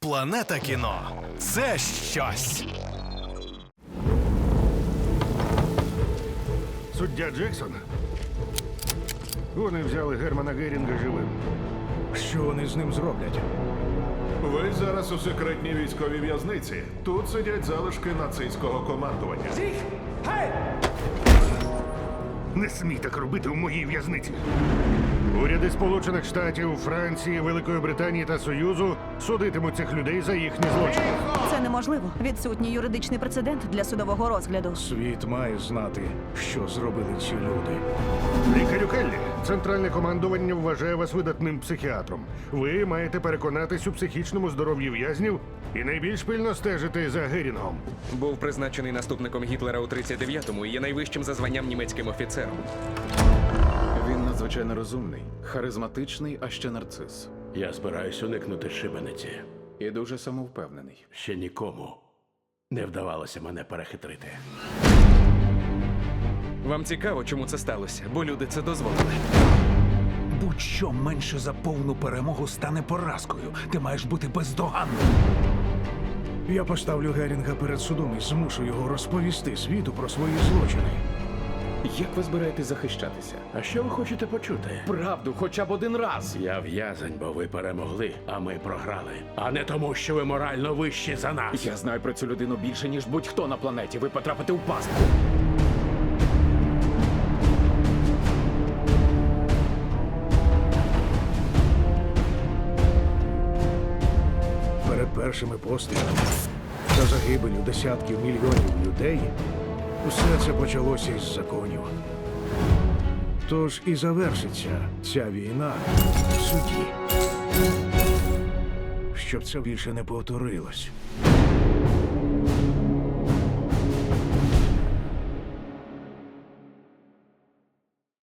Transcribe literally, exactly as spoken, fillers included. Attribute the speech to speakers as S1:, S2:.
S1: Планета кіно – це щось.
S2: Суддя Джексон. Вони взяли Германа Герінга живим.
S3: Що вони з ним зроблять?
S4: Ви зараз у секретній військовій в'язниці. Тут сидять залишки нацистського командування.
S2: Не смій так робити у моїй в'язниці. Уряди Сполучених Штатів, Франції, Великої Британії та Союзу судитимуть цих людей за їхні злочини.
S5: Це неможливо. Відсутній юридичний прецедент для судового розгляду.
S3: Світ має знати, що зробили ці люди.
S2: Лікарю Келлі, центральне командування вважає вас видатним психіатром. Ви маєте переконатись у психічному здоров'ї в'язнів і найбільш пильно стежити за Герінгом.
S6: Був призначений наступником Гітлера у тридцять дев'ятому і є найвищим за званням німецьким офіцером.
S7: Він надзвичайно розумний, харизматичний, а ще нарцис.
S8: Я збираюсь уникнути шибениці.
S7: І дуже самовпевнений.
S8: Ще нікому не вдавалося мене перехитрити.
S6: Вам цікаво, чому це сталося? Бо люди це дозволили.
S3: Будь-що менше за повну перемогу стане поразкою. Ти маєш бути бездоганним. Я поставлю Герінга перед судом і змушу його розповісти світу про свої злочини.
S7: Як ви збираєтесь захищатися?
S8: А що ви хочете почути?
S7: Правду, хоча б один раз.
S8: Я в'язень, бо ви перемогли, а ми програли. А не тому, що ви морально вищі за нас.
S7: Я знаю про цю людину більше, ніж будь-хто на планеті. Ви потрапите у пастку.
S3: Перед першими пострілами та загибелю десятків мільйонів людей усе це почалося із законів. Тож і завершиться ця війна в суді. Щоб це більше не повторилось.